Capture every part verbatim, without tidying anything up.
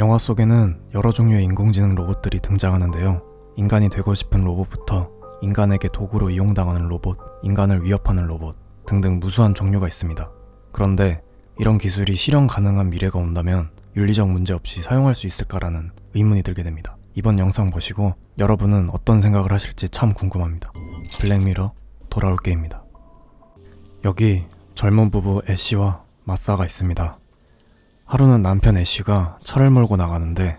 영화 속에는 여러 종류의 인공지능 로봇들이 등장하는데요. 인간이 되고 싶은 로봇부터 인간에게 도구로 이용당하는 로봇, 인간을 위협하는 로봇 등등 무수한 종류가 있습니다. 그런데 이런 기술이 실현 가능한 미래가 온다면 윤리적 문제 없이 사용할 수 있을까라는 의문이 들게 됩니다. 이번 영상 보시고 여러분은 어떤 생각을 하실지 참 궁금합니다. 블랙미러 돌아올게입니다. 여기 젊은 부부 애쉬와 마사가 있습니다. 하루는 남편 애쉬가 차를 몰고 나가는데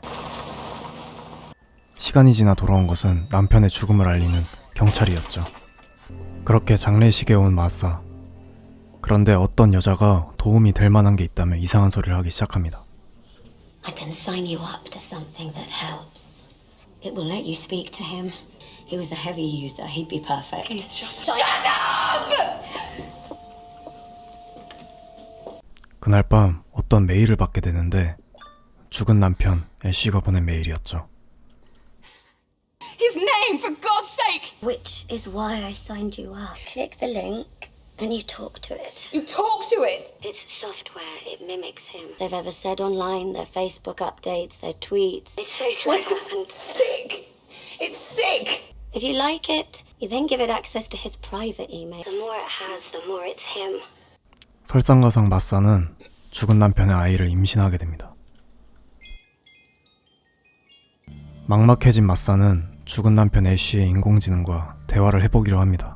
시간이 지나 돌아온 것은 남편의 죽음을 알리는 경찰이었죠. 그렇게 장례식에 온 마사. 그런데 어떤 여자가 도움이 될 만한 게 있다며 이상한 소리를 하기 시작합니다. I can sign you up to something that helps. It will let you speak to him. He was a heavy user. He'd be perfect. Please shut up. Shut up! 그날 밤 어떤 메일을 받게 되는데 죽은 남편 애쉬가 보낸 메일이었죠. His name, for God's sake! Which is why I signed you up. Click the link and you talk to it. You talk to it? It's software. It mimics him. They've ever said online, their Facebook updates, their tweets. It's so clever. It's sick. It's sick. If you like it, you then give it access to his private email. The more it has, the more it's him. 설상가상 마사는 죽은 남편의 아이를 임신하게 됩니다. 막막해진 마사는 죽은 남편 애쉬의 인공지능과 대화를 해보기로 합니다.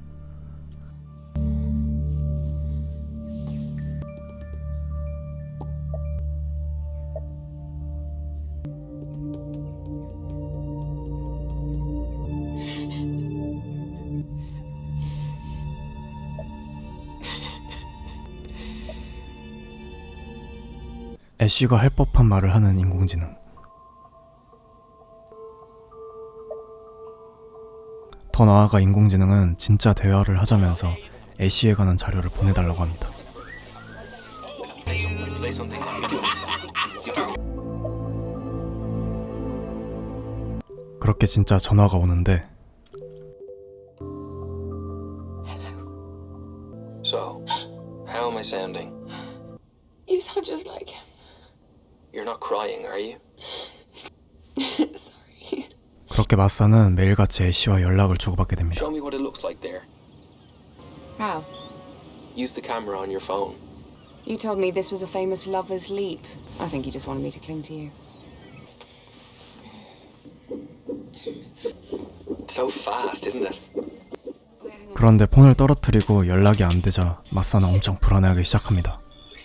애쉬가 할 법한 말을 하는 인공지능. 더 나아가 인공지능은 진짜 대화를 하자면서 애쉬에 관한 자료를 보내달라고 합니다. 그렇게 진짜 전화가 오는데 So, how am I sounding? You sound just like him. You're not crying, are you? Sorry. 그렇게 마사는 매일같이 애쉬와 연락을 주고받게 됩니다. Show me what it looks like there. How? Use the camera on your phone. You told me this was a famous lover's leap. I think you just wanted me to cling to you. It's so fast, isn't it? 그런데 폰을 떨어뜨리고 연락이 안 되자 마사는 엄청 불안해하기 시작합니다.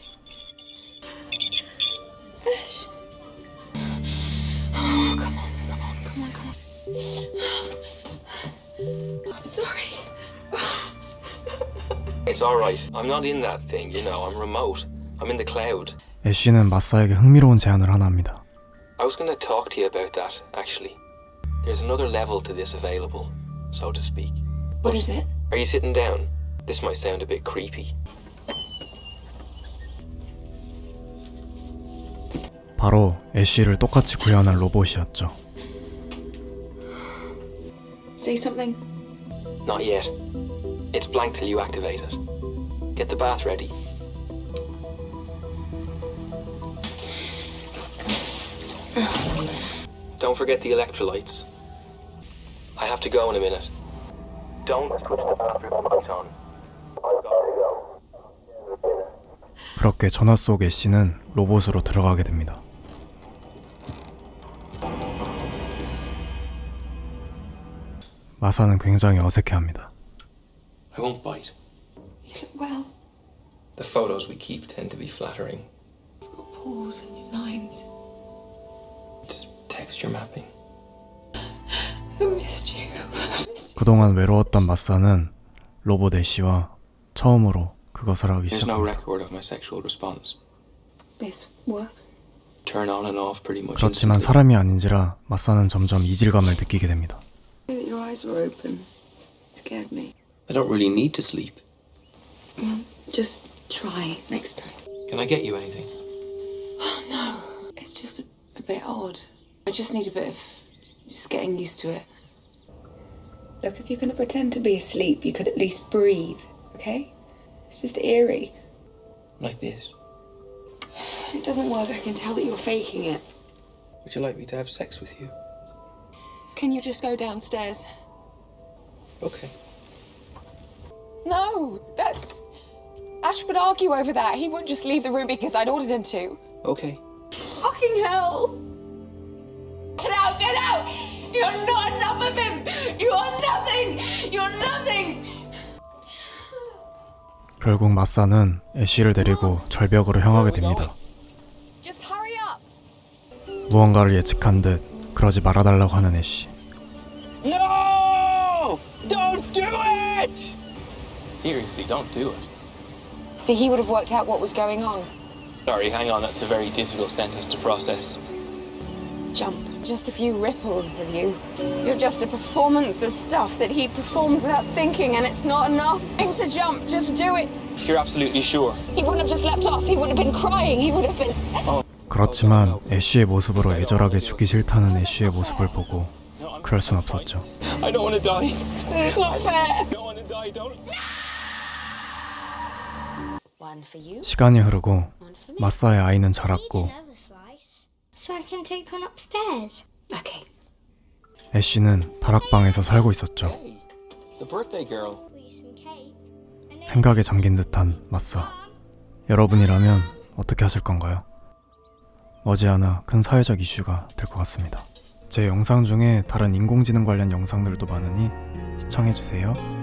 It's alright. I'm not in that thing, you know. I'm remote. I'm in the cloud. 애쉬는 마사에게 흥미로운 제안을 하나 합니다. I was going to talk to you about that, actually. There's another level to this available, so to speak. What is it? Are you sitting down? This might sound a bit creepy. 바로 애쉬를 똑같이 구현한 로봇이었죠. Say something. Not yet. It's blank till you activate it. Get the bath ready. Don't forget the electrolytes. I have to go in a minute. Don't switch the bathroom light on. I've got to go. 그렇게 전화 속 애쉬는 로봇으로 들어가게 됩니다. 마사는 굉장히 어색해합니다. I won't bite. You look well. The photos we keep tend to be flattering. Pause in your lines. Just texture mapping. I missed you. I missed you. 그동안 외로웠던 마사는 로봇 애쉬와 처음으로 그것을 하기 There's no 시작합니다. record of my sexual response. This works. Turn on and off pretty much 그렇지만 instantly. 사람이 아닌지라 마사는 점점 이질감을 느끼게 됩니다. That your eyes were open. It scared me. I don't really need to sleep. Well, just try next time. Can I get you anything? Oh no. It's just a, a bit odd. I just need a bit of just getting used to it. Look, if you're going to pretend to be asleep, you could at least breathe, okay? It's just eerie. Like this. It doesn't work. I can tell that you're faking it. Would you like me to have sex with you? Can you just go downstairs? Okay. No, that's. Ash would argue over that. He wouldn't just leave the room because I'd ordered him to. Okay. Fucking hell! Get out, get out! You're not enough of him! You're nothing! You're nothing! 결국 마사는 애쉬를 데리고 절벽으로 향하게 됩니다. Just hurry up! 무언가를 예측한 듯 그러지 말아달라고 하는 애쉬. No! Don't do it! Seriously, don't do it. See, he would have worked out what was going on. Sorry, hang on, that's a very difficult sentence to process. Jump. Just a few ripples of you. You're just a performance of stuff that he performed without thinking, and it's not enough. To jump, just do it. You're absolutely sure? He wouldn't have just leapt off. He would have been crying. He would have been. 그렇지만 애쉬의 모습으로 애절하게 죽기 싫다는 애쉬의 모습을 보고 그럴 순 없었죠. I don't want to die. It's not fair. I don't want to die, don't. One for you, 시간이 흐르고 one for me. 마사의 아이는 Need 자랐고 another slice, so I can take one upstairs. Okay. 애쉬는 다락방에서 살고 있었죠. Hey, the birthday girl. Will you some cake? And then 생각에 잠긴 듯한 마사. 여러분이라면 어떻게 하실 건가요? 머지않아 큰 사회적 이슈가 될 것 같습니다. 제 영상 중에 다른 인공지능 관련 영상들도 많으니 시청해주세요.